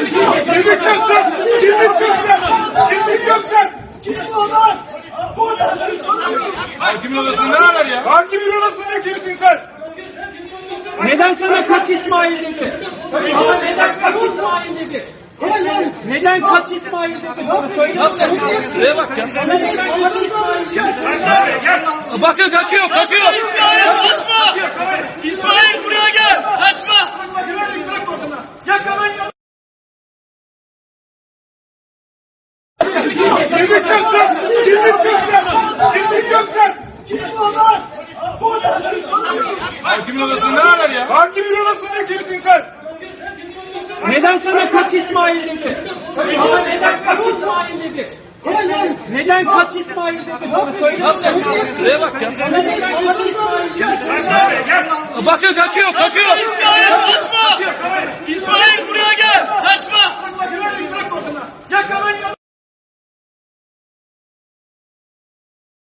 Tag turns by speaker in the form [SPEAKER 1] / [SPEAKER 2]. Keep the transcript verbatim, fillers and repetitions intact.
[SPEAKER 1] Kimlik göster! Kimlik göster! Kimlik göster! Hakimin odasında ne haber ya? Hakimin odasında kimsin sen?
[SPEAKER 2] Neden sana kaç İsmail dedi? Ama neden kaç İsmail dedi? Neden kaç İsmail dedi? Bana söyle.
[SPEAKER 3] Şuraya bak ya.
[SPEAKER 2] Neden kaç İsmail dedi?
[SPEAKER 3] Bakın kaçıyor, kaçıyor.
[SPEAKER 1] İsmail kaçma! İsmail buraya gel! Kaçma!
[SPEAKER 2] Yakalayın.
[SPEAKER 1] Kimlik göster! Kimlik göster! Kimlik göster! Hakimin odasında ne haber ya? Hakimin odasında kimsin sen?
[SPEAKER 2] Neden sana kaç İsmail dedi? Ama neden kaç İsmail dedi? Neden kaç İsmail dedi? Bana söyle.
[SPEAKER 3] Şuraya bak ya.
[SPEAKER 2] Neden kaç İsmail dedi?
[SPEAKER 3] Bakın kaçıyor, kaçıyor.
[SPEAKER 1] İsmail kaçma! İsmail buraya gel!